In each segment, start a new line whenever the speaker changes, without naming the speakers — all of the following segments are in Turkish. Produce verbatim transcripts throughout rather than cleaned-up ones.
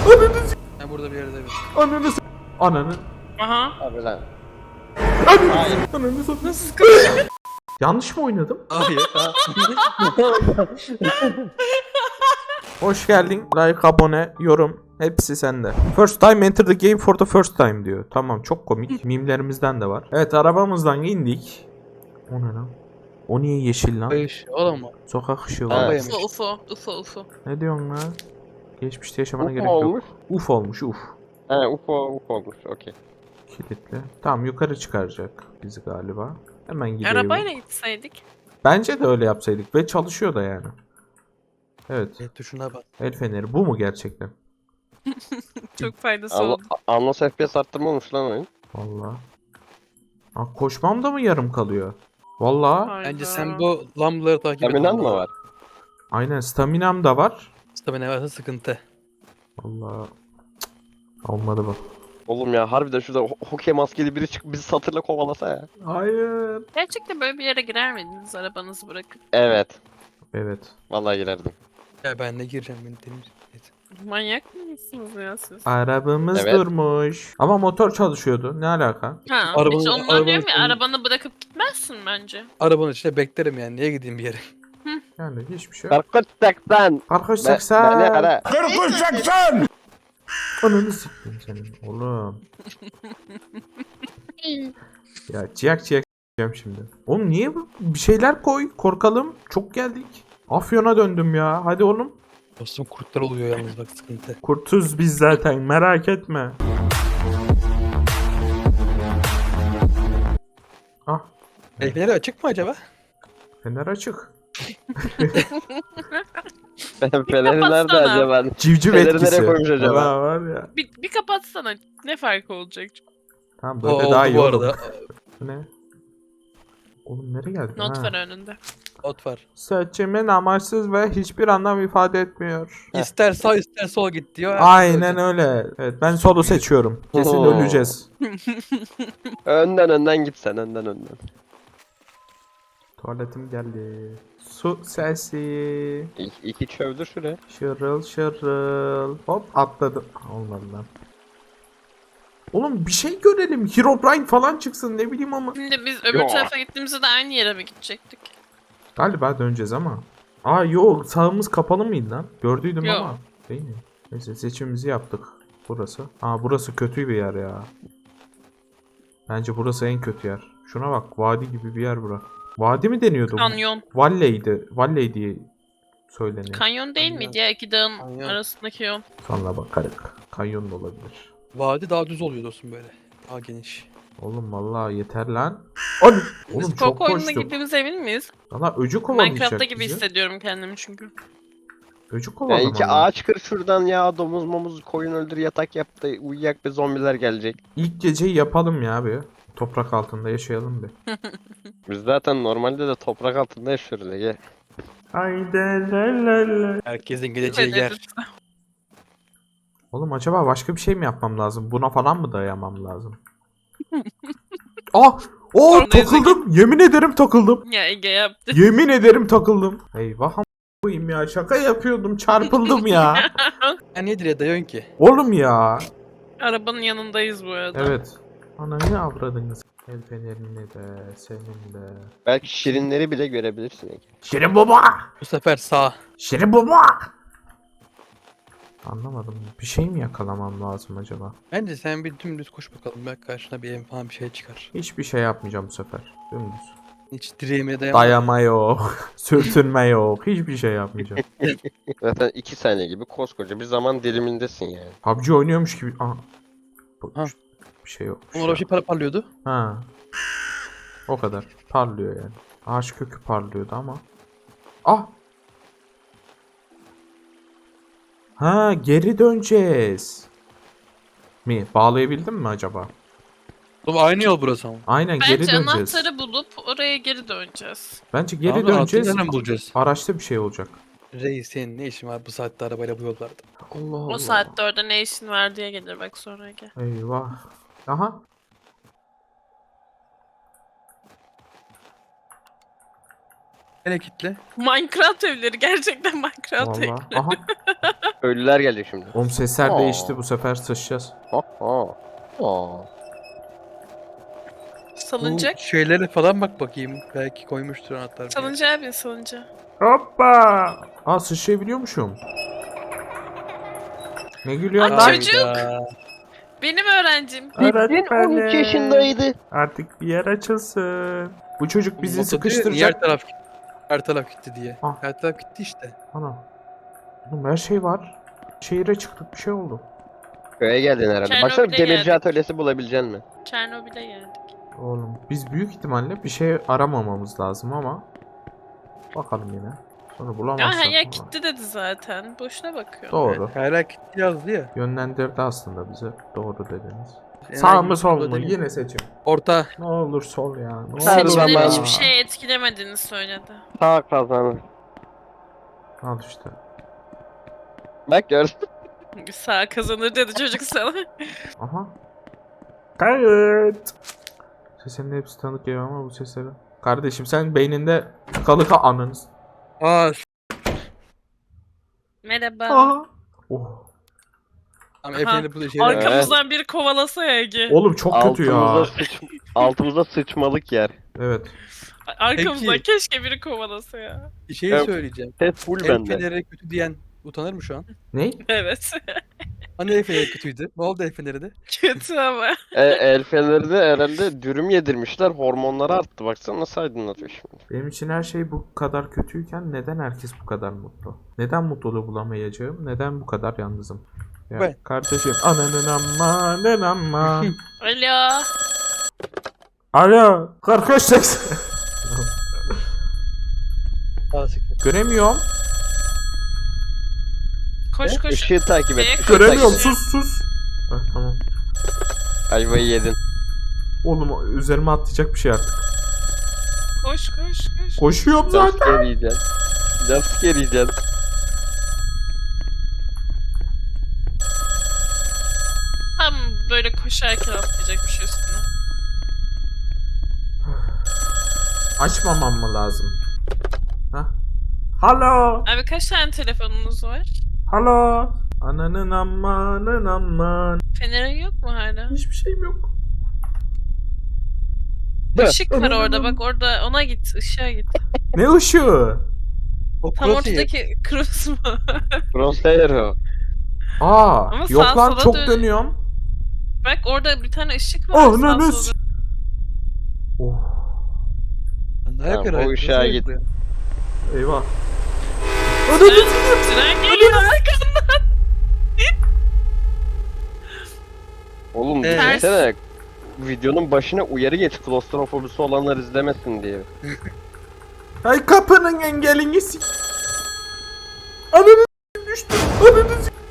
Ananı s**.
Ben burada bir yerde evet.
Ananı s**. Ananı.
Aha.
Abi lan.
Ananı s**. Ananı s**.
Nasıl kaçıyor?
Yanlış mı oynadım?
Hayır.
Hoş geldin. Like, abone, yorum hepsi sende. First time enter the game for the first time diyor. Tamam, çok komik. Mimlerimizden de var. Evet, arabamızdan indik. O ne lan? O niye yeşil lan?
Hayır. Oğlum mu?
Sokak ışığı
Ha.
var.
Ufo ufo ufo ufo.
Ne diyorsun lan? Geçmişte yaşamana
Uf
gerek yok.
olmuş.
Uf olmuş uf.
He ufo ufo olmuş. Okey.
Kilitli. Tamam, yukarı çıkaracak bizi galiba. Hemen gidelim.
Arabayla gitseydik.
Bence de öyle yapsaydık ve çalışıyor da yani. Evet.
Evet tuşuna bak.
El feneri bu mu gerçekten?
Çok faydası
Anla,
oldu.
Anlos F P S arttırma olmuş lan oyun.
Vallahi. Ha, koşmam da mı yarım kalıyor? Vallahi.
Hayda.
Bence sen bu lambaları takip et.
Eminan mı var?
Aynen, staminam da var.
Stamina varsa sıkıntı.
Vallahi. Cık, olmadı bak.
Oğlum ya harbiden şurada ho- hokey maskeli biri çıkıp bizi satırla kovalasa ya.
Hayır.
Gerçekten böyle bir yere girer miydiniz arabanızı bırakıp?
Evet.
Evet.
Vallahi girerdim.
Ya ben de gireceğim beni temiz. Evet.
Manyak mısınız ya siz?
Arabamız
Evet.
durmuş. Ama motor çalışıyordu. Ne alaka?
Ha,
Arabanın-
hiç ondan
arabanın
diyorum ya,
sonu-
arabanı bırakıp gitmezsin bence.
Arabanın içinde beklerim yani. Niye gideyim bir yere?
Yani hiçbir şey yok.
Karkut seksen.
Arkadaş
Ben,
seksen.
ben ne ara?
Ananı siktim senin oğlum. Ya ciyak ciyak s**eceğim şimdi. Oğlum niye bu? Bir şeyler koy. Korkalım. Çok geldik. Afyon'a döndüm ya. Hadi oğlum.
Dostum kurtlar oluyor yalnız bak sıkıntı.
Kurtuz biz zaten. Merak etme. Ah.
El feneri açık mı acaba?
Fener açık.
Ben Fener'i nerede
kapatsana.
acaba?
Civciv
Fener'i
etkisi.
nereye koymuş acaba?
Valla var ya.
Bir, bir kapatsana. Ne farkı olacak?
Tamam,
O
böyle
oldu
daha iyi
bu
oğlum.
arada.
Bu ne? Oğlum nereye geldik?
Not
Ha.
var önünde.
Ot var.
Seçimin amaçsız ve hiçbir anlam ifade etmiyor.
Heh.
İster sağ ister sol git diyor.
Aynen öyle. Evet, ben solu seçiyorum. Kesin
Oo.
öleceğiz.
Önden önden git sen önden önden.
Tuvaletim geldi. Su sesi.
İki, iki çövdür şuraya.
Şırıl şırıl. Hop atladım. Olmadı lan. Oğlum bir şey görelim. Herobrine falan çıksın, ne bileyim ama.
Şimdi biz öbür
Yo.
tarafa gittiğimizde de aynı yere mi gidecektik?
Galiba döneceğiz ama. Aa yok, sağımız kapalı mıydı lan? Gördüydüm
Yo.
ama. Değil mi? Neyse, seçimimizi yaptık. Burası. Aa, burası kötü bir yer ya. Bence burası en kötü yer. Şuna bak, vadi gibi bir yer bura. Vadi mi deniyordu? bu?
Kanyon.
Valley'di. Valley diye söyleniyor.
Kanyon değil miydi ya, iki dağın
Kanyon.
arasındaki yol?
Sonra bakarık. Kanyon da olabilir.
Vadi daha düz oluyor dostum böyle. Daha geniş.
Oğlum vallahi yeter lan. Oğlum, oğlum
Biz
çok
korku oyununa
koştuk.
gittiğimize emin miyiz?
Valla öcü kovalayacak
Minecraft'ta gibi
bizi.
hissediyorum kendimi çünkü.
Öcü
Ya
kovalamalı.
iki ağaç kır şuradan ya domuz momuz koyun öldür yatak yap da uyuyak be zombiler gelecek.
İlk geceyi yapalım ya bir. Toprak altında yaşayalım bir.
Biz zaten normalde de toprak altında yaşıyoruz Ege.
Haydi la la la.
Herkesin geleceği yer.
Oğlum acaba başka bir şey mi yapmam lazım? Buna falan mı dayamam lazım? Ah! Oh,
Sonra
takıldım. Yemin ederim takıldım.
Ya Ege yaptı.
Yemin ederim takıldım. Eyvah am- koyayım ya. Şaka yapıyordum. Çarpıldım ya.
Ya niye direğe dayıyorsun ki?
Oğlum ya.
Arabanın yanındayız bu arada.
Evet. Ana ne avradınız? El fenerini de, senin de.
Belki şirinleri bile görebilirsin Ege.
Şirin baba!
Bu sefer sağ.
Şirin baba! Anlamadım. Bir şey mi yakalamam lazım acaba?
Bence sen bir dümdüz koş bakalım. Belki karşına bir ev falan bir şey çıkar.
Hiçbir şey yapmayacağım bu sefer. Dümdüz.
Hiç direğime dayanma.
Dayama yok. Sürtünme yok. Hiçbir şey yapmayacağım.
Zaten iki saniye gibi koskoca bir zaman dilimindesin yani.
P U B G oynuyormuş gibi. Aa. Bu-
Ha.
Bir şey yok.
Orada bir şey para parlıyordu.
Ha. O kadar. Parlıyor yani. Ağaç kökü parlıyordu ama. Ah. Ha, geri döneceğiz. Mi? Bağlayabildim mi acaba?
Oğlum aynı yol burası ama.
Aynen, geri
Bence
döneceğiz.
anahtarı bulup oraya geri döneceğiz.
Bence geri
Abi,
döneceğiz.
anahtarı nereden bulacağız?
Araçta bir şey olacak.
Reis senin ne işin var bu saatte arabayla bu yollarda?
Allah Allah.
O saatte orada ne işin var diye gelir bak sonra Ege.
Eyvah. Aha.
Gene kitle.
Minecraft evleri gerçekten Minecraft
Valla.
evleri.
Aha.
Ölüler gelecek şimdi.
Oğlum sesler
Aa.
değişti, bu sefer sıçacağız.
Ha ha. Aa.
Salıncak.
Bu şeylere falan bak bakayım. Belki koymuştur anahtar. bir.
Salıncağa bin salıncağa.
Hoppa. Aa sıçrayabiliyormuşum. Ne gülüyorsun
Ay,
lan?
çocuk.
Hayda.
Benim öğrencim.
Bildiğin on üç yaşındaydı.
Artık bir yer açılsın. Bu çocuk bizi
Moto diyor, Niye
sıkıştıracak.
her taraf her taraf gitti diye.
Ah.
Her taraf gitti işte.
Ana. Oğlum her şey var. Şehire çıktık, bir şey oldu.
Köye geldin herhalde.
Çernobil'e
Baksana demirci
geldik.
atölyesi bulabilecek misin?
Çernobil'e geldik.
Oğlum biz büyük ihtimalle bir şey aramamamız lazım ama bakalım yine. Sonra
Ya
bulamazsak.
her yer
falan.
gitti dedi zaten. Boşuna bakıyor.
Doğru.
Evet, hala gitti yazdı ya.
Yönlendirdi aslında bize. Doğru dediniz.
Yani
Sağ mı
hangi
sol
yolda
mu?
değil.
Yine seçim.
Orta.
Ne olur sol ya. Ne olur.
Her
Seçimlerin
zaman-
hiçbir şey etkilemediğini söyledi.
Sağ kazanır.
Al işte.
Bak gör.
Sağ kazanır dedi çocuk sana.
Aha. Kayıt. Sesinin hepsi tanık geliyor ama bu sesleri. Kardeşim sen beyninde tıkalı ka anınız.
Aa.
Merhaba.
Aha. Oh.
Tamam
Aha.
efendim bu da şey.
Arkamızdan biri kovalasa ya Ege.
Oğlum çok kötü ya.
Altımıza, sıç... Altımıza sıçmalık yer.
Evet.
Arkamızdan
Peki.
keşke biri kovalasa ya.
Bir şey
Evet.
söyleyeceğim.
Ses full
El
bende.
feneri kötü diyen utanır mı şu an?
Ne?
Evet.
Hani el feneri kötüydü? Ne oldu el feneri de?
Kötü ama.
E, el feneri de herhalde dürüm yedirmişler. Hormonları arttı. Baksana nasıl aydınlatıyor şimdi.
Benim için her şey bu kadar kötüyken neden herkes bu kadar mutlu? Neden mutluluğu bulamayacağım? Neden bu kadar yalnızım? Ya
Ben.
kardeşim ananın amanın aman.
Alo.
Alo. kırk üç seksen.
Aa siktir.
Göremiyorum.
Koş koş.
Işığı takip et.
Neye
ışığı
Göremiyorum.
takip et.
Sus sus. Heh, tamam.
Ayvayı yedin.
Oğlum üzerime atlayacak bir şey artık.
Koş koş koş.
Koşuyorum zaten.
Jumpscare yiyeceksin. Jumpscare yiyeceksin.
Tam böyle koşarken atlayacak bir şey üstüne.
Açmamam mı lazım? Hah. Halo.
Abi kaç tane telefonunuz var?
Halo. Ananın amanın aman.
Fenerin yok mu hala?
Hiçbir şeyim yok.
Işık var orada bak orada ona git ışığa git.
Ne ışığı?
O
Tam
crosshair.
ortadaki cross mu?
Crosshair o.
Aa,
Ama
yok
sağa
lan
sola
çok
dön-
dönüyorum.
Bak orada bir tane ışık var.
Oh
sağ
ne ne.
solda.
Oh,
Ne yapıyor?
Tamam, o
hayat?
ışığa
Nasıl
git.
yapıyor?
eyvah.
Tren, tren geliyor arkandan.
Oğlum
Evet.
düşünsene. Videonun başına uyarı geç. Klostrofobisi olanlar izlemesin diye.
Ay kapının engelini sik. Ananı s- düştü. Ananı s-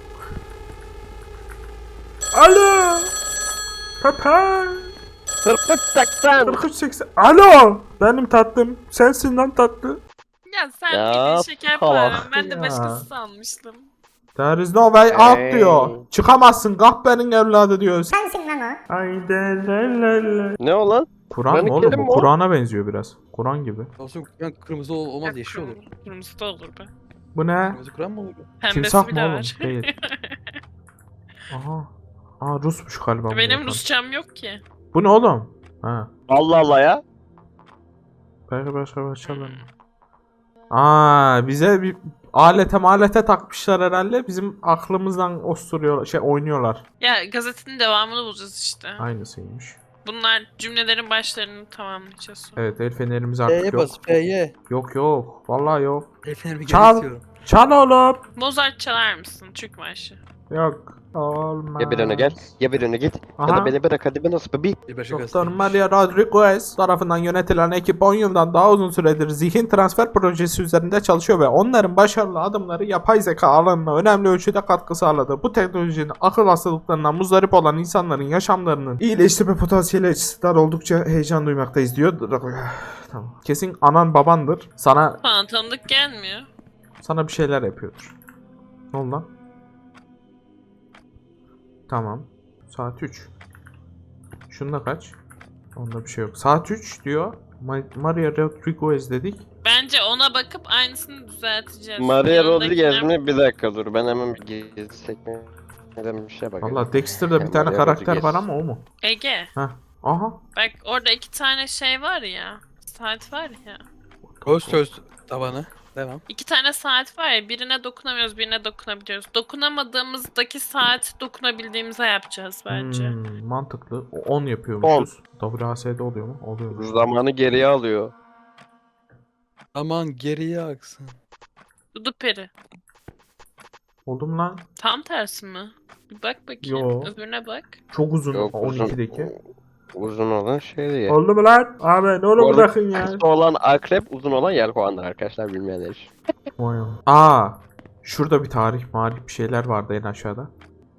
Alo. Papa.
Tırpık taktan.
kırk üç seksen. Alo. Benim tatlım. Sensin lan tatlı.
Ya sen
Ya,
yedin şeker
salak
param. Ben de
ya.
başkası sanmıştım.
There is no way out
Hey.
diyor. Çıkamazsın kahpenin evladı diyor.
Sensin lan o.
Haydi le le le.
Ne o lan?
Kur'an
Kur'an-ı
mı oğlum
Kerim
bu?
mi o?
Kur'an'a benziyor biraz. Kur'an gibi.
Olsun Kur'an kırmızı ol- olmaz
Yok,
yeşil olur.
kırmızı- Kırmızı da olur be.
Bu ne?
Kırmızı Kur'an mı olur?
Pembesi
Timsah
bile
mı oğlum?
var.
Değil. Aha. Aa Rusmuş galiba. bu
Benim
yapan.
Rusçam yok ki.
Bu ne oğlum? Ha.
Allah Allah ya.
Belki başka başlayalım. Aa bize bir alete malete takmışlar herhalde. Bizim aklımızdan osturuyor şey oynuyorlar.
Ya gazetenin devamını bulacağız işte.
Aynısıymış.
Bunlar cümlelerin başlarını tamamlayacağız sonra.
Evet el fenerimiz artık
F'ye
yok.
bas F'ye.
Yok yok. Vallahi yok.
El fenerimi geri
Çal.
istiyorum.
Çal oğlum.
Mozart çalar mısın? Türk marşı.
Yok. Olmaz.
Ya bir öne gel. Ya bir öne git. Ya
Aha.
da beni bırak hadi ben nasıl bebi.
Bir başka
Doktor
gazeteymiş.
Maria Rodriguez tarafından yönetilen ekip on yıldan daha uzun süredir zihin transfer projesi üzerinde çalışıyor ve onların başarılı adımları yapay zeka alanına önemli ölçüde katkı sağladı. Bu teknolojinin akıl hastalıklarından muzdarip olan insanların yaşamlarının iyileştirme potansiyeli açısından oldukça heyecan duymaktayız diyor. Tamam. Kesin anan babandır. Sana
Bana tanıdık gelmiyor.
sana bir şeyler yapıyordur. Ne oldu lan? Tamam. Saat üç. Şunda kaç? Onda bir şey yok. Saat üç diyor. Ma- Maria Rodriguez dedik.
Ben Bence ona bakıp aynısını düzelteceğiz.
Maria
Yanındakiler-
Rodriguez mi? Bir dakika dur. Ben hemen bir gezi sekmeden bir şey bakayım.
Valla Dexter'da bir
Ya,
tane
Maria
karakter
Rodriguez.
var ama o mu?
Ege.
Heh. Aha.
Bak orada iki tane şey var ya. Saat var ya.
Göz söz tabanı. Devam.
İki tane saat var ya. Birine dokunamıyoruz, birine dokunabiliyoruz. Dokunamadığımızdaki saat dokunabildiğimize yapacağız bence.
Hmm, mantıklı. O on yapıyormuşuz. W A S D oluyor mu? Oluyormuş.
Zamanı geriye alıyor.
Aman geriye aksın.
Dudu peri.
Oldu mu lan?
Tam tersi mi? Bir bak bakayım.
Yo.
Öbürüne bak.
Çok uzun
Yok uzun.
on ikideki.
Uzun olan şey değil.
Oldu mu lan? Abi ne
Bu
olur
arada
bırakın ya.
kısa olan akrep, uzun olan yelkovandır arkadaşlar bilmeyenler için.
Vay am- Aa, şurada bir tarih marif bir şeyler vardı en aşağıda.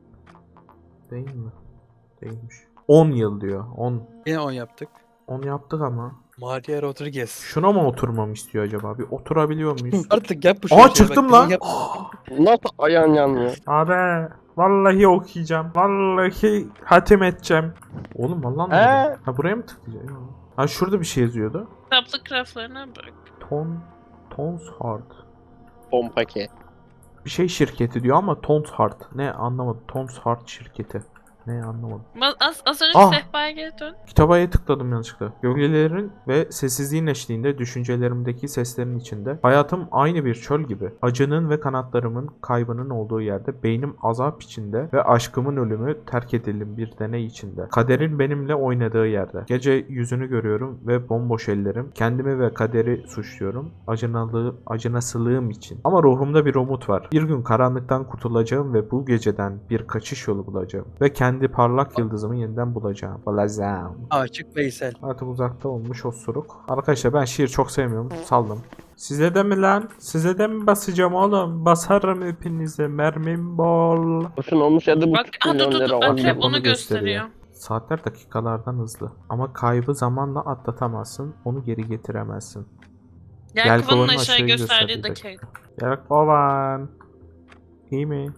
Değil mi? Değilmiş. on yıl diyor. on.
Yine on yaptık.
on yaptık ama.
Maria Rodriguez.
Şuna mı oturmamı istiyor acaba? Bir oturabiliyor muyuz?
Artık yap bu
Aa
şeyi,
çıktım
bak,
lan.
yap.
Nasıl ayağın yanmıyor?
Abi vallahi okuyacağım. Vallahi hatim edeceğim. Oğlum vallahi
He?
mi? Ha buraya mı tıklayacağım? Ha şurada bir şey yazıyordu.
Kitaplık raflarına bak.
Ton Tons Hard.
Pompake.
Bir şey şirketi diyor ama Tons Hard. Ne anlamadım. Tons Hard şirketi. Ne anlamadım.
Ma- Az, az önce
Ah!
sehpaya geri dön.
Kitapaya tıkladım yanlışlıkla. Gölgelerin ve sessizliğin eşliğinde düşüncelerimdeki seslerin içinde hayatım aynı bir çöl gibi. Acının ve kanatlarımın kaybının olduğu yerde beynim azap içinde ve aşkımın ölümü terk edilim bir deney içinde. Kaderin benimle oynadığı yerde. Gece yüzünü görüyorum ve bomboş ellerim. Kendimi ve kaderi suçluyorum. Acınalığı, acınasılığım için. Ama ruhumda bir umut var. Bir gün karanlıktan kurtulacağım ve bu geceden bir kaçış yolu bulacağım. Ve kendi parlak yıldızımı yeniden bulacağım. Bulacağım.
Açık Veysel.
Artık uzakta olmuş osuruk. Arkadaşlar ben şiir çok sevmiyorum. Saldım. Size de mi lan? Size de mi basacağım oğlum? Basarım hepinize. Mermim bol.
Boşun olmuş yedi
Bak
buçuk
ha, dur
milyon
dur
lira.
dur.
on
Akrep
onu
onu
gösteriyor.
gösteriyor.
Saatler dakikalardan hızlı. Ama kaybı zamanla atlatamazsın. Onu geri getiremezsin.
Yelkovanın
Yelkovanın
aşağı
aşağıyı
gösterdiği
gösterdiği
dakika.
Yelkovan. İyi mi?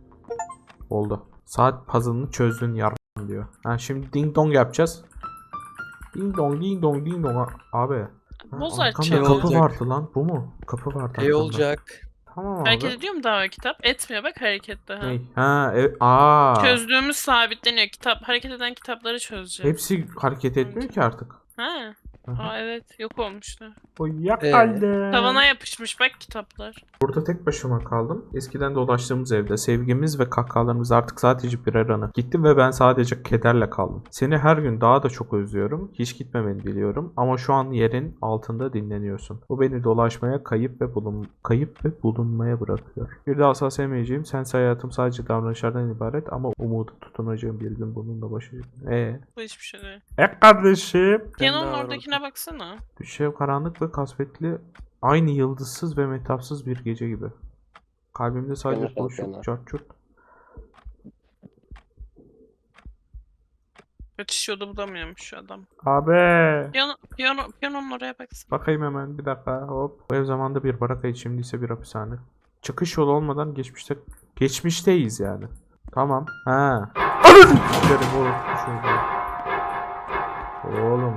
Oldu. Saat puzzle'ını çözdün yardım diyor. Ha şimdi ding dong yapacağız. Ding dong ding dong ding dong. Abi. Ha,
Mozart
arkamda
şey
kapı
olacak.
vardı lan. Bu mu? Kapı vardı
İyi
arkamda.
olacak.
Tamam abi.
Hareket ediyor mu daha o kitap? Etmiyor bak harekette. Ha.
Ney? Ha evet. Aa.
Çözdüğümüz sabitleniyor. Kitap hareket eden kitapları çözeceğiz.
Hepsi hareket etmiyor ki artık.
Ha.
Hı hı.
Aa evet yok olmuştu.
Uyuyakaldı.
Tavana yapışmış bak kitaplar.
Burada tek başıma kaldım. Eskiden dolaştığımız evde sevgimiz ve kahkahalarımız artık sadece birer anı. Gittim ve ben sadece kederle kaldım. Seni her gün daha da çok özlüyorum. Hiç gitmemeni biliyorum. Ama şu an yerin altında dinleniyorsun. Bu beni dolaşmaya, kayıp ve bulun kayıp ve bulunmaya bırakıyor. Bir daha asla sevmeyeceğim. Sense hayatım sadece davranışlardan ibaret ama umudu tutunacağım bir gün bununla başlayacağım. Eee?
Bu hiçbir şey değil.
E kardeşim.
Piyanonun
daha
oradakine baksana.
Düşev karanlık ve kasvetli, aynı yıldızsız ve metafsız bir gece gibi. Kalbimde sadece
Yanlış
boşluk,
yapıyorlar.
çarçurt.
Kaçış yolu bulamıyormuş şu adam.
Abi.
Piyano, piyano, piyanonun oraya baksana.
Bakayım hemen bir dakika hop. Bu ev zamanda bir barakaydı, şimdi ise bir hapishane. Çıkış yolu olmadan geçmişte geçmişteyiz yani. Tamam. Ha. Anam! Giderim oğlum. Şöyle. Oğlum.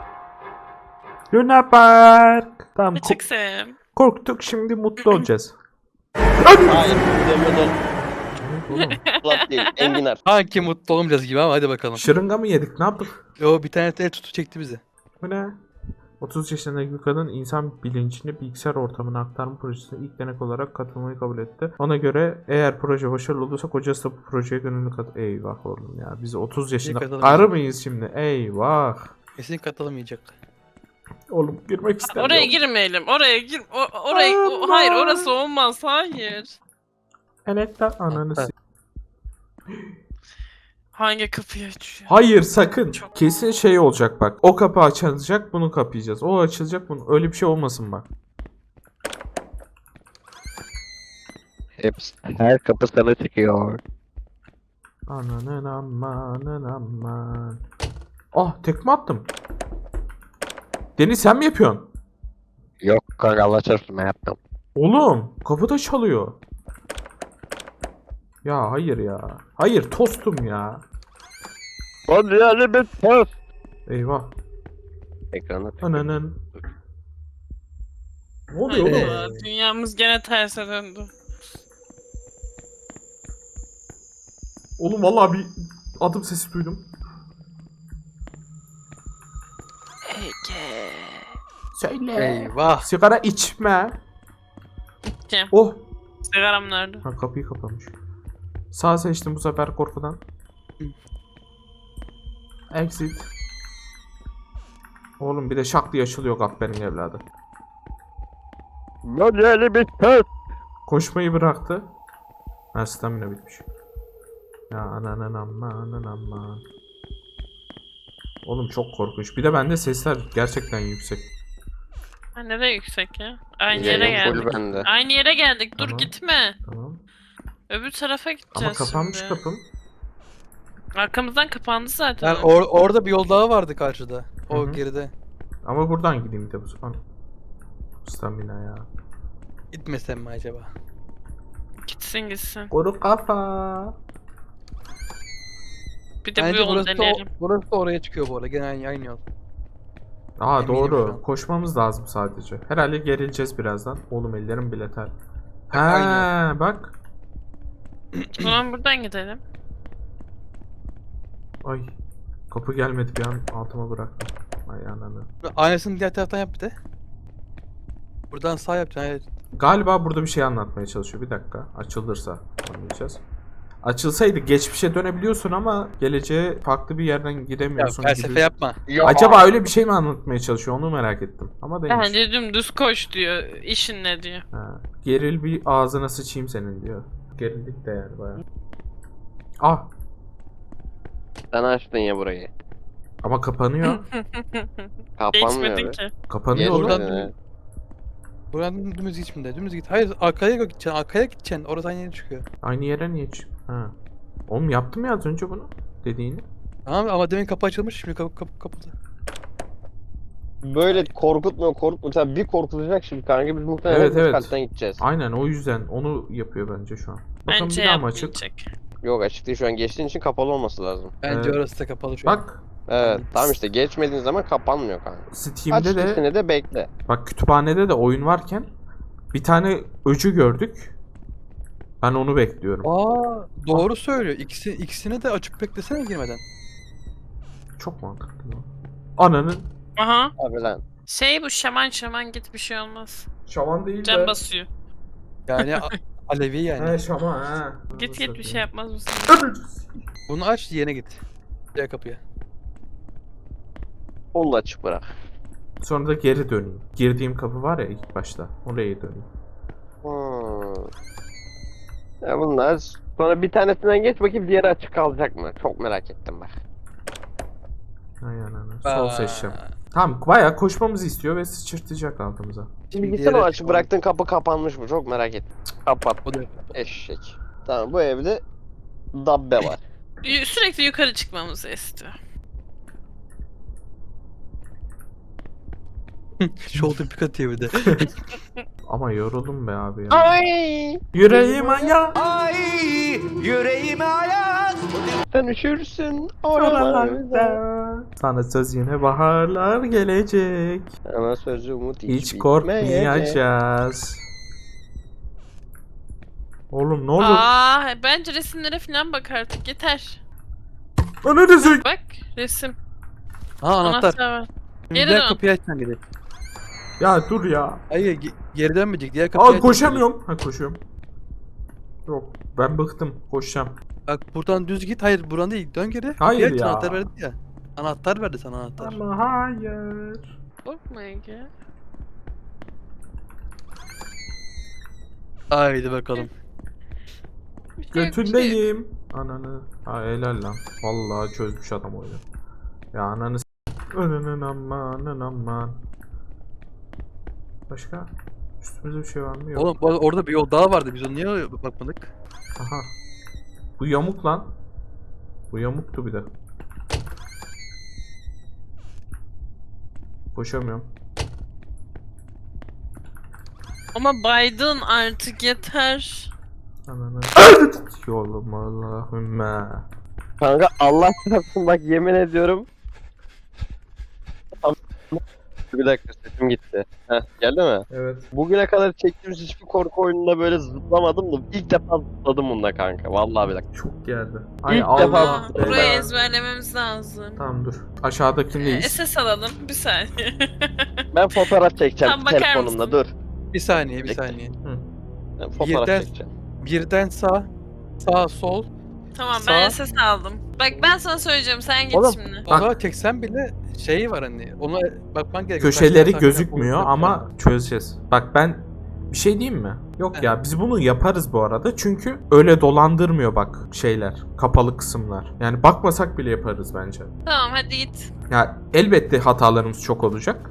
Luna Park. Tamam ko-
Açık sev.
korktuk, şimdi mutlu olacağız.
Hayır. Demeden
Oğlum.
plat değil. Enginar.
Sanki mutlu olmayacağız gibi ama hadi bakalım.
Şırınga mı yedik, ne yaptık?
O bir tane el tutu çekti bizi.
Bu ne? otuz yaşındaki bir kadın insan bilincini bilgisayar ortamına aktarma projesine ilk denek olarak katılmayı kabul etti. Ona göre eğer proje başarılı olursa kocası da bu projeye gönüllü kat... Eyvah oğlum ya, biz otuz yaşında
katılamayacak.
karı mıyız şimdi? Eyvah.
Kesin katılamayacak.
Oğlum girmek istemiyorum.
Oraya girmeyelim. Oraya gir. O, oraya. o- hayır orası olmaz. Hayır.
Enektar ananı
Ha.
s-
Hangi kapıyı açıyor?
Hayır sakın. Kesin şey olacak bak. O kapı açılacak, bunu kapayacağız. O açılacak, bunu. Öyle bir şey olmasın bak.
Hepsi. Her kapı sana çıkıyor.
Ananın amanın aman. Ah tekme attım. Deniz sen mi yapıyorsun?
Yok kanka Allah çarpsın ben yaptım.
Oğlum kapı da çalıyor. Ya hayır ya. Hayır tostum ya.
Hadi yani bir tost.
Eyvah.
Ekrana tık.
Ananın. Ne oluyor oğlum?
Hayda, dünyamız gene terse döndü.
Oğlum vallahi bir adım sesi duydum.
Ege.
Söyle.
Eyvah.
Sigara içme.
İçeceğim.
Oh.
Sigaram nerede?
Ha, kapıyı kapamış. Sağ seçtim bu sefer korkudan. Exit. Oğlum bir de şak diye açılıyor kahpenin evladı.
Böyle bir kız.
Koşmayı bıraktı. Ha, stamina bitmiş. Ya ananın aman aman. Oğlum çok korkunç. Bir de bende sesler gerçekten yüksek.
Ha, ne de yüksek ya. Aynı
Yayın
yere
full
geldik.
bende.
Aynı yere geldik. Dur
Tamam.
gitme.
Tamam.
Öbür tarafa
Ama
gideceğiz
kapanmış
şimdi.
kapım.
Arkamızdan kapandı zaten.
Yani or- orada bir yol daha vardı karşıda. O
Hı hı.
geride.
Ama buradan gideyim bir de bu sefer. Stamina ya.
Gitmesem mi acaba?
Gitsin gitsin.
Kuru kafa.
Bir de bu
Bence
yolu
burası da,
deneyelim.
burası da oraya çıkıyor bu arada. Gene aynı, aynı yol.
Aa
Eminim şu
doğru.
an.
Koşmamız lazım sadece. Herhalde gerileceğiz birazdan. Oğlum ellerim bile ter. Ha
aynen.
bak.
O zaman buradan gidelim.
Ay. Kapı gelmedi bir an altıma bıraktım. Ay ananı.
Aynısını diğer taraftan yap bir de. Buradan sağ yapacaksın. Evet.
Galiba burada bir şey anlatmaya çalışıyor. Bir dakika. Açılırsa anlayacağız. Açılsaydı geçmişe dönebiliyorsun ama geleceğe farklı bir yerden
Ya,
gidemiyorsun
felsefe
gibi.
yapma.
Ya.
Acaba öyle bir şey mi anlatmaya çalışıyor onu merak ettim. Ama değilmiş.
Bence dümdüz koş diyor. İşin ne diyor.
Ha. Geril bir ağzına sıçayım senin diyor. Gerildik de yani bayağı. Ah
Sen açtın ya burayı.
ama kapanıyor.
Kapanmıyor
Geçmedin
be.
ki.
Kapanıyor oğlum.
Buradan
Geçmedi.
Buradan dümdüz gitme. Dümdüz git. Hayır arkaya gideceksin. Arkaya gideceksin. Orası aynı yere çıkıyor.
Aynı yere niye çık? Ha. Oğlum yaptım ya az önce bunu. Dediğini.
Tamam ama demin kapı açılmış. Şimdi kapı kapı kapalı.
Böyle korkutmuyor korkutmuyor. Tabii bir korkutacak şimdi kanka biz muhtemelen
Evet,
üst
evet.
kattan gideceğiz.
Aynen o yüzden onu yapıyor bence şu an. Bakın
Bence
bir daha mı açık?
yapmayacak.
Yok açık değil şu an geçtiğin için kapalı olması lazım.
Bence
Evet.
orası da kapalı şu an.
Bak
Evet tamam işte geçmediğin zaman kapanmıyor kanka. Aç
Steam'de de
ikisini de bekle.
bak kütüphanede de oyun varken bir tane öcü gördük. Ben onu bekliyorum.
Aa doğru söylüyor. İkisi, ikisini de açıp beklesene girmeden.
Çok mantıklı. lan. Ananın
Aha.
Abi lan.
Şey bu şaman şaman git bir şey olmaz.
şaman değil
Can basıyor.
Yani a- Alevi yani.
He şaman he.
Git git bir şey yapmaz mısın?
Bunu aç diğerine git. Diğer kapıya.
Onu da açık bırak.
Sonra da geri döneyim. Girdiğim kapı var ya ilk başta. Oraya döneyim.
Hmm. Ya bunlar sonra bir tanesinden geç bakayım diğeri açık kalacak mı? Çok merak ettim bak.
Ay ananı. Sol
Aa,
seçeceğim. Tamam bayağı koşmamızı istiyor ve sıçırtacak altımıza.
Şimdi
Diğeri
gitsene o
açık
açık
olan.
bıraktığın kapı kapanmış mı? Çok merak ettim. Kapat.
O da
Eşek. Tamam bu evde dabbe var.
Y- Sürekli yukarı çıkmamızı istiyor.
Shoulder pick atıyor bir de.
Ama yoruldum be abi ya.
Ay!
Yüreğim ayağı.
Sen üşürsün.
Oralarda. Sana söz yine baharlar gelecek.
Ama sözü umut hiç,
Hiç korkmayacağız. Oğlum ne olur?
Aa, bence resimlere falan bak artık yeter.
Ana desek.
Bak resim.
Ha anahtar.
var.
Şimdi
Geri
diğer
dön.
kapıyı açsan gidelim.
Ya dur ya.
Hayır ge- geri dönmeyecek. Diğer kapıyı
Aa
açsan
koşamıyorum. Ha koşuyorum. Yok ben bıktım. Koşacağım.
gidelim. Bak buradan düz git. Hayır buradan değil. Dön geri.
Hayır
Kapıyı aç,
ya.
Anahtar verdi ya. Anahtar verdi sana anahtar.
Ama hayır.
Korkma Ege.
Haydi bakalım.
Bir şey yok, bir şey yok.
Götündeyim. Ananı. Ha helal lan. Vallahi çözmüş adam oyunu. Ya ananı s**. Ananın aman aman. Başka? Üstümüzde bir şey var mı? Yok.
Oğlum bu arada orada bir yol daha vardı. Biz onu niye bakmadık?
Aha. Bu yamuk lan. Bu yamuktu bir de. Koşamıyorum.
Ama Biden artık yeter.
Ananı. Yolum Allahümme.
Kanka Allah çarpsın bak yemin ediyorum. Bir dakika sesim gitti. Heh, geldi mi?
Evet.
Bugüne kadar çektiğimiz hiçbir korku oyununda böyle zıplamadım da ilk defa zıpladım bunda kanka. Vallahi bir dakika.
Çok geldi.
İlk
Allah.
defa
Aa,
beyler.
burayı ezberlememiz lazım.
Tamam dur.
Ee,
Aşağıdakindeyiz.
S S alalım bir saniye.
Ben fotoğraf çekeceğim
Tam bakar
telefonumda
mısın?
dur.
Bir saniye bir
Bekle.
saniye.
Ben fotoğraf
Birden-
çekeceğim.
Birden sağ, sağ sol.
Tamam ben
Sağ.
S S aldım. Bak ben sana söyleyeceğim sen git
Oğlum,
şimdi.
O zaman çeksen bile şeyi var hani. Ona bakman gerekiyor.
Köşeleri
Kaç tane
gözükmüyor
sahne
ama çözeceğiz. Bak ben bir şey diyeyim mi? Yok ya biz bunu yaparız bu arada çünkü öyle dolandırmıyor bak şeyler, kapalı kısımlar. Yani bakmasak bile yaparız bence.
Tamam hadi git.
Ya elbette hatalarımız çok olacak.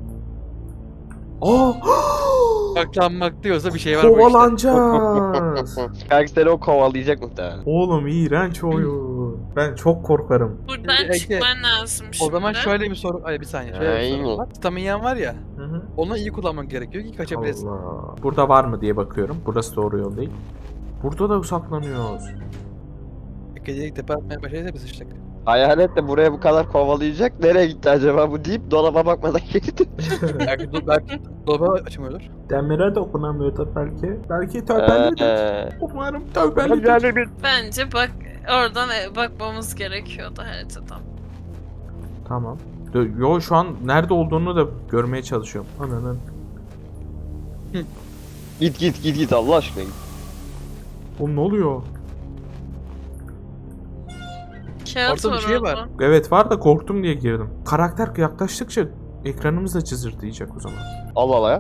Aa!
Saklanmak diyorsa bir şey var bu işte.
Kovalanacağız.
Kanka seni o kovalayacak muhtemelen.
Oğlum iğrenç oyun. Ben çok korkarım.
Buradan
Ege,
çıkman lazım şimdi.
O zaman şöyle bir soru, ay bir saniye şöyle bir soru
Aynen.
var. Staminyan var ya,
Hı hı.
onu iyi kullanman gerekiyor ki kaçabilirsin.
Allah. Burada var mı diye bakıyorum. Burası doğru yol değil. Burada da saklanıyoruz.
Gecelik tepe atmaya başlayınca biz sıçtık.
Hayalet de buraya bu kadar kovalayacak. Nereye gitti acaba bu deyip dolaba bakmadan gitti.
belki do belki dolaba açmıyordur.
Demire dokunamıyordur belki. Belki tövbelidir.
Eee.
Umarım tövbelidir.
bir
Bence bak oradan e, bakmamız gerekiyordu haritadan.
Tamam. Dö- Yo şu an nerede olduğunu da görmeye çalışıyorum. Ananın.
Git git git git Allah aşkına git.
Oğlum ne oluyor?
Kağıt
Orada bir
var
şey
orada.
var.
Evet var da korktum diye girdim. Karakter yaklaştıkça ekranımız da cızırtıyacak o zaman.
Allah Allah ya.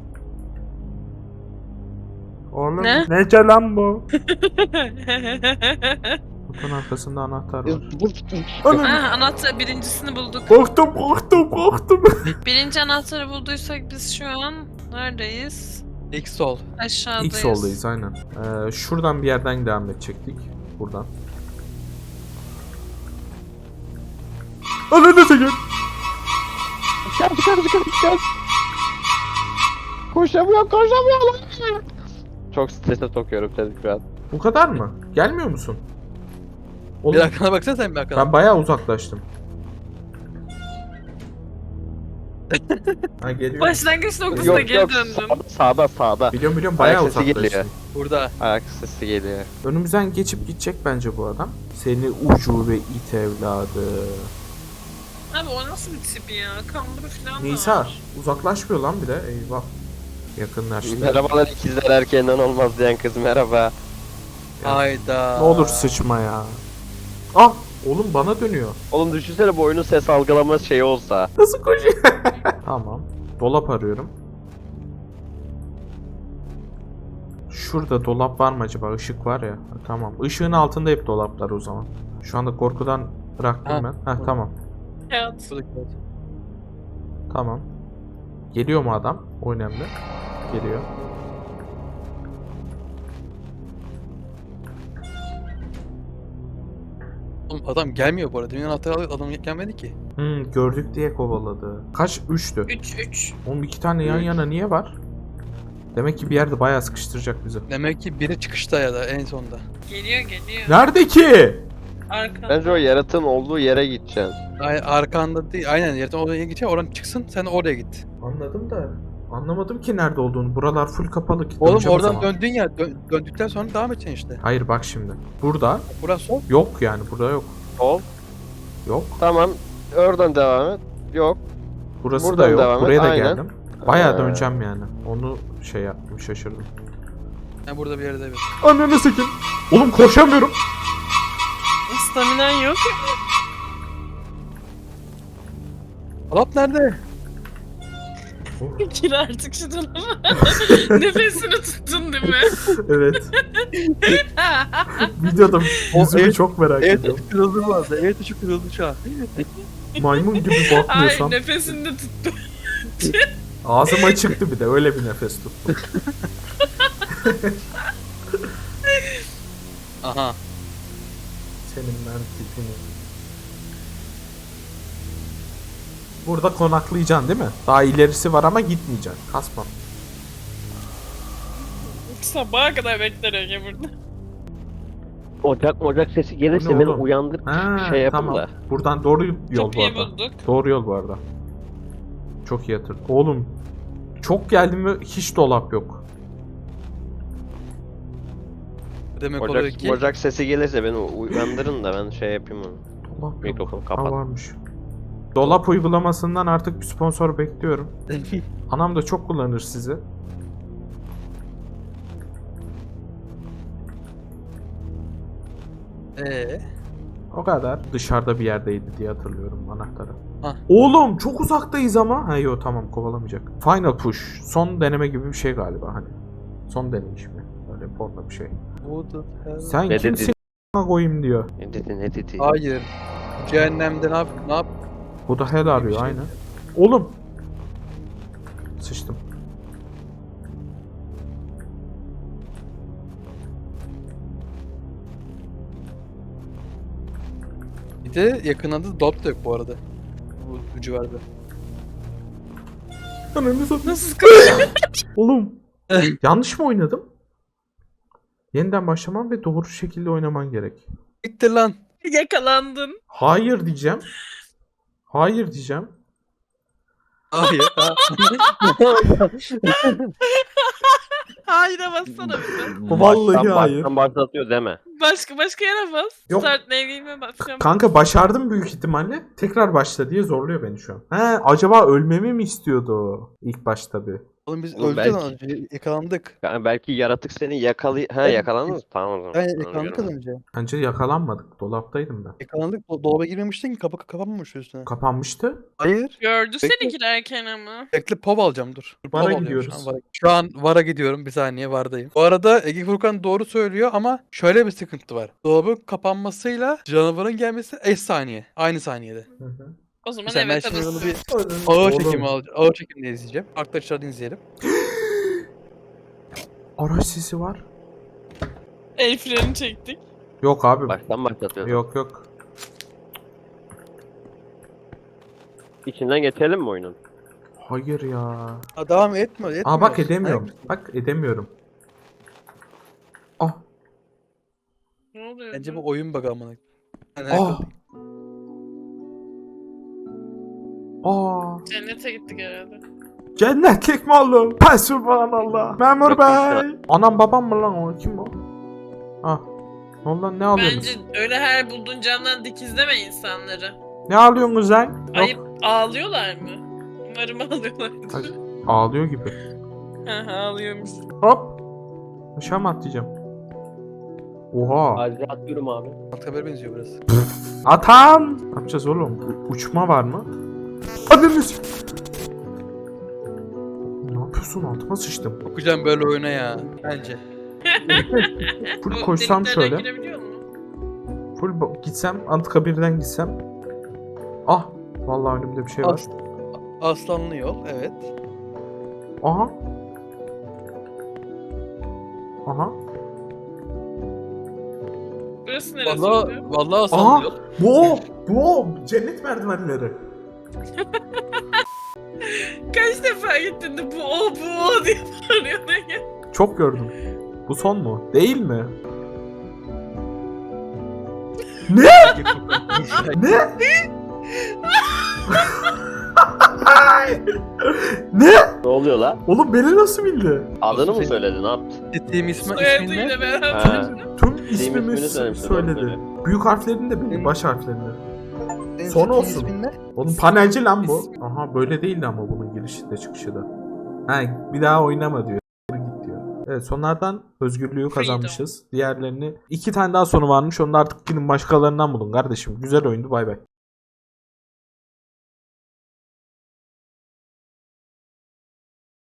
Oğlum
Ne?
nece lan bu? Kutunun arkasında anahtar var. Ananı.
Ah, anahtar birincisini bulduk.
Korktum korktum korktum.
Birinci anahtarı bulduysak biz şu an neredeyiz?
İlk sol.
Aşağıdayız.
İlk soldayız aynen. Ee, şuradan bir yerden devam edecektik. Buradan. Ananı çekin.
Çıkar çıkar çıkar çıkar. Koşamıyorum koşamıyorum. Çok strese sokuyorum seni şu an.
Bu kadar mı? Gelmiyor musun? Oğlum,
Bir arkana baksana sen bir arkana.
ben bayağı uzaklaştım. Ha geliyor.
Başlangıç noktasına
Yok
geri
yok
döndün.
sağda sağda sağda.
Biliyorum biliyorum bayağı
Ayak sesi
uzaklaştım.
geliyor.
Burada.
Ayak sesi geliyor.
Önümüzden geçip gidecek bence bu adam. Seni ucube it evladı.
Abi o nasıl bir tip ya? Kamburu falan da
Nisa
var.
uzaklaşmıyor lan bir de eyvah. Yakınlaştı.
Merhabalar ikizler erkeğinden olmaz diyen kız merhaba.
Ya.
Hayda.
Ne olur sıçma ya. Ah oğlum bana dönüyor.
Oğlum düşünsene bu oyunun ses algılama şeyi olsa.
Nasıl koşuyor? Tamam. Dolap arıyorum. Şurada dolap var mı acaba? Işık var ya. Ha, tamam. Işığın altında hep dolaplar o zaman. Şu anda korkudan bıraktım
Ha.
ben. Heh tamam.
Kağıt.
Buradaki kağıt.
Tamam. Geliyor mu adam? O önemli. Geliyor.
Oğlum adam gelmiyor bu arada. Demin anahtarı alıyor adam gelmedi ki.
Hmm, gördük diye kovaladı. Kaç? Üçtü.
üç üç.
Oğlum iki tane yan
Üç.
yana niye var? Demek ki bir yerde bayağı sıkıştıracak bizi.
Demek ki biri çıkışta ya da en sonda.
Geliyor geliyor.
Nerede ki?
Arka.
Bence o yaratığın olduğu yere gideceksin.
Ay, arkanda değil. Aynen yerden oraya gidecek. Oradan çıksın. Sen oraya git.
Anladım da anlamadım ki nerede olduğunu. Buralar full kapalı. ki.
Oğlum
Döneceğim o
oradan
zaman.
döndün ya. dö- döndükten sonra devam edeceksin işte.
Hayır bak şimdi. Burada
Burası sol.
yok yani. Burada yok.
Ol.
Yok.
Tamam. Oradan devam et. Yok.
Burası
Buradan
da yok.
devam et,
Buraya da
aynen.
geldim. Bayağı
Ee.
döneceğim yani. Onu şey yaptım şaşırdım.
Ben burada bir yerde bir.
Ananı sikin. Oğlum koşamıyorum.
Staminan yok.
Dolap nerede?
Gir artık şu dolaba. Nefesini tuttun değil mi?
Evet. Videoda
O
yüzümü
evet-
çok merak
Evet
ediyorum.
tuşu kırıldı bu arada. Evet tuşu kırıldı şu an.
Maymun gibi
Ay
bakmıyorsam.
nefesini de tuttu.
Ağzım açıktı bir de öyle bir nefes tuttum.
Aha.
Senin ben tipini. Burada konaklayacaksın değil mi? Daha ilerisi var ama gitmeyeceksin. Kasma.
Sabaha kadar bekler Ege burada.
Ocak ocak sesi
Bu
gelirse
ne
beni
Ha,
uyandır şey yapın
tamam.
da.
Buradan doğru yol bu
Kapıyı
arada.
bulduk.
Doğru yol bu arada. Çok iyi hatırladım. Oğlum çok geldim ve hiç dolap yok.
Demek oluyor
Ocak,
ki
ocak sesi gelirse beni uyandırın da ben şey yapayım onu.
Dolap yok.
Mikrofonu
Ha,
kapat.
varmış. Dolap uygulamasından artık bir sponsor bekliyorum. Anam da çok kullanır sizi.
Eee?
O kadar. Dışarıda bir yerdeydi diye hatırlıyorum anahtarı.
Hah.
Oğlum çok uzaktayız ama. Ha yok tamam kovalamayacak. Final push. Son deneme gibi bir şey galiba hani. Son deneyiş mi? Öyle porno bir şey.
Bu da her-
Sen
Ne
kimsin
dedi?
a**ına koyayım diyor.
Ne dedi ne dedi?
Hayır. Cehennemde ne yap? Ne yap?
Bu da hell arıyor
Bir şey.
aynen. Oğlum. Sıçtım.
Bir de yakınında dolap da yok bu arada. Bu, bu civarda.
Ananı satayım.
Nasıl sıkıntı?
Oğlum. Yanlış mı oynadım? Yeniden başlaman ve doğru şekilde oynaman gerek.
Bitti lan.
Yakalandın.
Hayır diyeceğim. Hayır diyeceğim.
Hayır. ha.
Hayır'a bassana bir de.
Vallahi
Baştan-
hayır.
Baştan başlatıyor deme.
Başka başka yere bas.
Yok.
Start name'ime basacağım.
Kanka başardım büyük ihtimalle. Tekrar başla diye zorluyor beni şu an. He acaba ölmemi mi istiyordu ilk başta bir?
Oğlum biz
Oğlum
öldük
belki-
lan az önce. Yakalandık.
Yani belki yaratık seni yakalay... Ha
Evet.
yakalandınız mı? Tamam o zaman.
Aynen
Ona
yakalandık
göre.
az önce.
Bence yakalanmadık. Dolaptaydım ben.
Yakalandık. Do- dolaba girmemiştin ki kapı kapanmamış üstüne.
Kapanmıştı.
Hayır.
Gördü
Bekle.
seni girerken ama.
Bekle pov alacağım dur. Dur,
Vara
pov alıyorum
gidiyoruz.
Şu an, vara. Şu an vara gidiyorum bir saniye vardayım. Bu arada Ege Furkan doğru söylüyor ama şöyle bir sıkıntı var. Dolabın kapanmasıyla canavarın gelmesi eş saniye. Aynı saniyede.
Hı hı.
O zaman
Mesela ben
evet
şimdi bunu
arası.
bir ağır
Oğlum,
çekimi alacağım. Ağır çekimle izleyeceğim. Arkadaşlar izleyelim.
araç sesi var.
El freni çektik.
Yok abi.
Baştan başlatıyor.
Yok yok.
İçinden geçelim mi oyunun?
Hayır ya.
Aa, devam etme. etmiyor.
Aa bak edemiyorum.
Hayır.
Bak edemiyorum. Ah.
Ne oluyor?
Bence bu oyun bug'ı amına. Yani
Ah. Aa.
Cennete gittik herhalde.
Cennetlik mi oldu? Ha subhanallah. Memur
Yok,
bey. Anam babam mı lan o? Kim o? Ah. Ne oldu lan ne alıyorsunuz?
Bence öyle her bulduğun camdan dikizleme insanları.
Ne alıyorsunuz lan? Yok.
Ayıp ağlıyorlar mı? Umarım ağlıyorlardır.
Hayır. Ağlıyor gibi.
Hı hı, ağlıyormuş.
Hop. Aşağı mı atlayacağım? Oha.
Acize atıyorum abi.
Anıtkabir'e benziyor biraz.
Atan. Ne yapacağız oğlum? U- uçma var mı? Adınız. Ne yapıyorsun? Altıma sıçtım.
Okuyacağım böyle oyuna ya. Bence.
Full
Bu
koşsam
deliklerden
şöyle.
girebiliyor mu?
Full ba- gitsem Anıtkabir'den gitsem. Ah. Vallahi önümde bir şey var.
As Aslanlı yol evet.
Aha. Aha.
Burası neresi
Vallahi
oluyor?
vallahi
Aha.
aslanlı yol.
Bu o. Bu o. Cennet merdivenleri.
Kaç defa gittin de bu o bu o diye bağırıyordun ya.
Çok gördüm. Bu son mu? Değil mi? Ne? Ne? Ne?
Ne oluyor la?
Oğlum beni nasıl bildi?
Adını mı
Senin-
söyledi ne yaptı?
Dediğim ismi ismin ne?
Soyadıyla beraber.
Ha.
Tüm
ismini
ismimi
söylemiş,
söyledi.
doğru
Büyük harflerini de bildi,
Benim-
baş harflerini.
Senin
Son
dediğin
olsun.
ismin ne?
Oğlum panelci lan bu.
İsmi-
Aha böyle değildi ama bunun girişi de çıkışı da. Ha bir daha oynama diyor. Git diyor. Evet sonlardan özgürlüğü kazanmışız. Diğerlerini iki tane daha sonu varmış. Onu da artık gidin başkalarından bulun kardeşim. Güzel oyundu bay bay.